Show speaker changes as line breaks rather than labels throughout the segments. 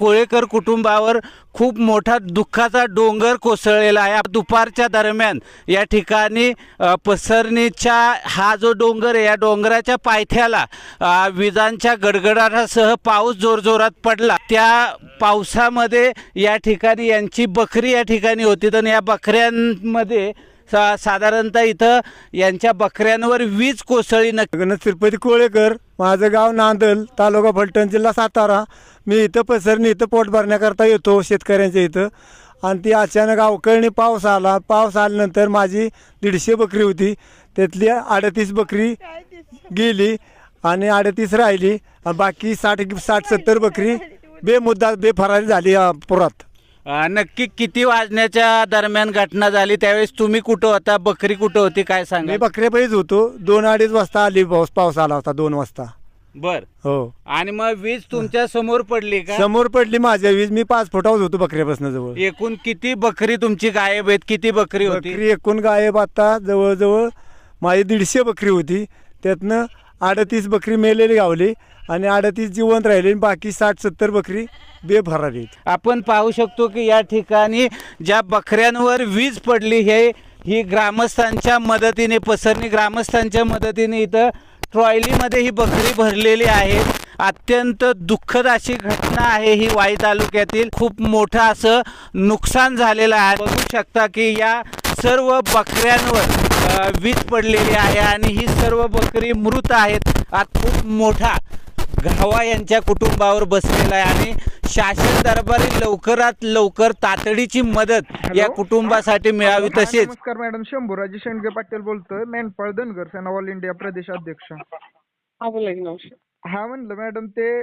कोळेकर कुटुंबावर खूप मोठा दुःखाचा डोंगर कोसळलेला आहे। दुपारच्या दरम्यान या ठिकाणी पसरणीच्या हा जो डोंगर आहे या डोंगराच्या पायथ्याला विजांच्या गडगडाटासह पाऊस जोरजोरात पडला। त्या पावसामध्ये या ठिकाणी यांची बकरी या ठिकाणी होती तर या बकऱ्यांमध्ये साधारणतः इथं यांच्या बकऱ्यांवर वीज कोसळली।
गणेश तिरुपती कोळेकर, माझं गाव नांदल, तालुका फलटण, जिल्हा सातारा। मी इथं पसरणी इथं पोट भरण्याकरता येतो शेतकऱ्यांच्या इथं, आणि ती अचानक अवकाळी पाऊस आला। पाऊस आल्यानंतर माझी 150 बकरी होती, त्यातली 38 बकरी गेली आणि 38 राहिली, बाकी 60-70 बकरी बेफरारी झाली पुरात।
नक्की किती वाजण्याच्या दरम्यान घटना झाली? त्यावेळेस तुम्ही कुठं होता, बकरी कुठं होती, काय सांगा?
मी बकऱ्यापायीच होतो। 2-2:30 वाजता आली पाऊस आला होता, 2 वाजता।
बर
हो।
आणि मग वीज तुमच्या समोर पडली का?
समोर पडली माझ्या वीज। मी 5 फुटावर होतो बकऱ्यापासून जवळ।
एकूण किती बकरी तुमची गायब आहेत? किती बकरी होती?
बकरी एकूण गायब आता जवळजवळ माझी 150 बकरी होती, त्यातनं 38 बकरी मेलेली गावली आणि 38 जिवंत राहिली, बाकी 60-70 बकरी बेफरारी।
आपण पाहू शकतो की या ठिकाणी ज्या बकऱ्यांवर वीज पडली ही ग्रामस्थांच्या मदतीने, पसरणी ग्रामस्थांच्या मदतीने इथं ट्रॉयलीमध्ये ही बकरी भरलेली आहे। अत्यंत दुःखद अशी घटना आहे ही वाई तालुक्यातील। खूप मोठं असं नुकसान झालेलं आहे। बघू शकता की या सर्व बकऱ्यांवर वीज पडलेली आहे आणि ही सर्व बकरी मृत आहेत। आज खूप मोठा घावा यांच्या कुटुंबावर बसलेला आहे आणि शासन दरबारी लवकरात लवकर तातडीची मदत या कुटुंबासाठी मिळावी। तसेच
नमस्कार मॅडम, शंभूराजे शेंडगे पाटील बोलतोय, मेंढपाळ धनगर सेना ऑल इंडिया प्रदेश अध्यक्ष।
हा बोला की नमस्कार।
हा म्हणलं मॅडम, ते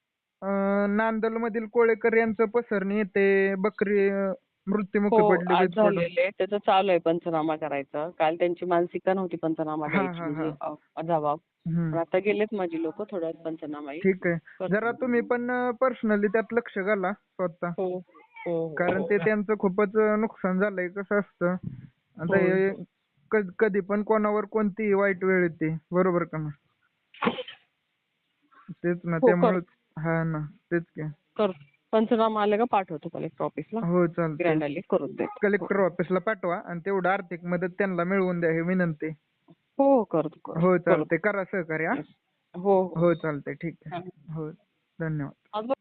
नांदल मधील कोळेकर यांचं पसरणी येते बकरी मृत्युमुखी पडली
आज
वीज पडून।
झालेले त्याचं चालू आहे पंचनामा करायचं। काल त्यांची मानसिकता नव्हती पंचनामा द्यायची, म्हणजे जबाब। पण आता गेलेत माझी लोक, थोड्या वेळात पंचनामा येईल।
ठीक आहे, जरा तुम्ही पण पर्सनली त्यात लक्ष घाला स्वतः,
हो हो
कारण ते त्यांचं खूपच नुकसान झालंय। कसं असतं आता हे कधी पण कोणावर कोणतीही वाईट वेळ येते, बरोबर का ना? तेच ना, त्यामुळे हा ना, तेच की
कर पंचनामा आले का पाठवतो कलेक्टर ऑफिसला।
हो चालतंय,
ग्रँड आली करून दे।
कलेक्टर ऑफिसला पाठवा आणि तेवढं आर्थिक मदत त्यांना मिळवून द्या, ही विनंती।
हो करतो
हो चालतंय, करा सहकार्य।
हो
हो चालतंय, ठीक आहे। हो, धन्यवाद।